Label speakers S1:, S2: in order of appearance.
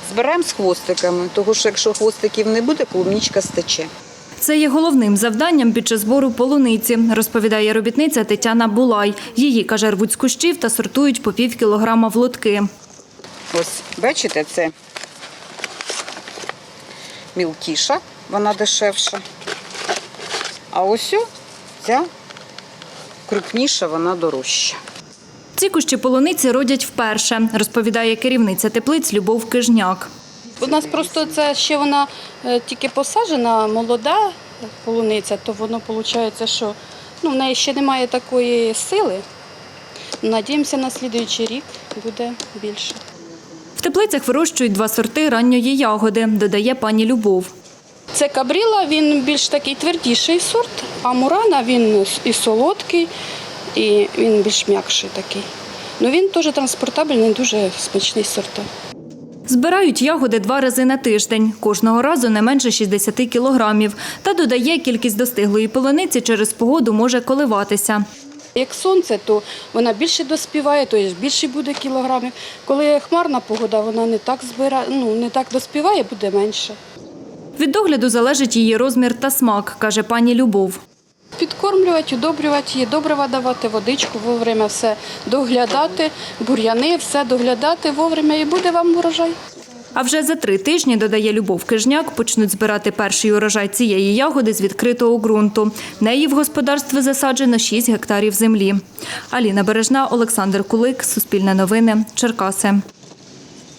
S1: Збираємо з хвостиками, тому що якщо хвостиків не буде, клубничка стече.
S2: Це є головним завданням під час збору полуниці, розповідає робітниця Тетяна Булай. Її, каже, рвуть з кущів та сортують по пів кілограма в лотки.
S1: Ось, бачите, це мілкіша, вона дешевша. А ось ця крупніша, вона дорожча.
S2: Ці кущі полуниці родять вперше, розповідає керівниця теплиць Любов Кижняк.
S3: У нас просто це ще вона тільки посаджена, молода полуниця, то воно виходить, що в неї ще немає такої сили. Надіємося, на наступний рік буде більше.
S2: В теплицях вирощують 2 сорти ранньої ягоди, додає пані Любов.
S3: Це кабріла, він більш такий твердіший сорт, а мурана він і солодкий, і він більш м'якший такий. Він теж транспортабельний, дуже смачний сорт.
S2: Збирають ягоди 2 рази на тиждень, кожного разу не менше 60 кілограмів. Та додає, кількість достиглої полуниці через погоду може коливатися.
S3: Як сонце, то вона більше доспіває, то більше буде кілограмів. Коли хмарна погода, вона не так доспіває, буде менше.
S2: Від догляду залежить її розмір та смак, каже пані Любов.
S3: Підкормлювати, удобрювати її, добрива давати, водичку, вовремя все доглядати, бур'яни, все доглядати вовремя і буде вам урожай.
S2: А вже за 3 тижні, додає Любов Кижняк, почнуть збирати перший урожай цієї ягоди з відкритого ґрунту. Неї в господарстві засаджено 6 гектарів землі. Аліна Бережна, Олександр Кулик, Суспільне новини, Черкаси.